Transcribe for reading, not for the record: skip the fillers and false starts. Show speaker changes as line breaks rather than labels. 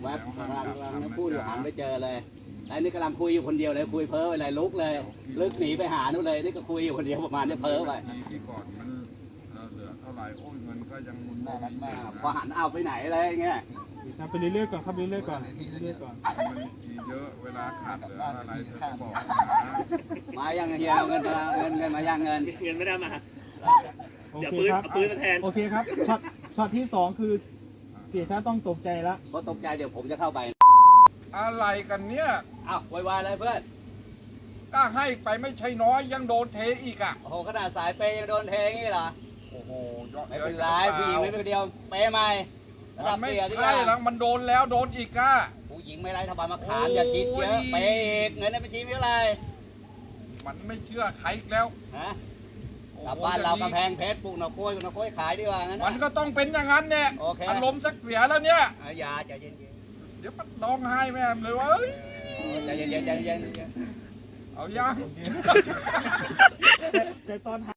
แวบกำลังพูดอยู่หันไปเจอเลยไอ้นี่กำลังคุยอยู่คนเดียวเลยคุยเพ้ออะไรลุกเลยลึกหนีไปหานู่นเลยนี่ก็คุยอยู่คนเดียวประมาณนี้เพ้อไป
ที่ก่อนมันเหลือเท่าไหร่โอ้ยเงินก็ยังมุนไม่มาก
พอหันเอาไปไหนอะไรเงี้ย
ไปเรื่อยๆก่อนครับเรื่อยๆก่อนเรื่อยๆก่อน
มันทีเยอะเวลาขาดเหลืออะไรจะบอก
มายังเฮียเงินมายังเงิน
ไม่ได้มา
โอเคครับ
ปืนมาแทน
โอเคครับช็อตที่2คือเสียชาต้องตกใจแล้ว
เพราะตกใจเดี๋ยวผมจะเข้าไป
อะไรกันเนี่ย
อ้าววายเลยเพื่อน
ก็ให้ไปไม่ใช่น้อยยังโดนเทอีกอ่ะ
โอ้โหขนาดสายเปย์ยังโดนเทงี้เหรอ
โอ้โห
ไม่เป็นไรผู้หญิงไม่เป็นเดียวเปย์ใหม่
มันไม่ใช่แล้วมันโดนแล้วโดนอีกอ่ะ
ผู้หญิงไม่ไร้ทบาทมาขามอย่าคิดเยอะเปย์อีกเงินในบัญชีมีอะไร
มันไม่เชื่อใครแล้ว
ฮะกลับบ้านเรากำแพงเพชรปลูกหน่อกล้วยขายดีกว่างั้น
มันก็ต้องเป็นอย่างนั้นเนี่ยอารมณ์สักเสียแล้วเนี่ย
อย่าใจเย็น
เดี๋ยวมันร้องไห้แม่เลยว่า
ใจเย็น
เอายัง
แต่ตอน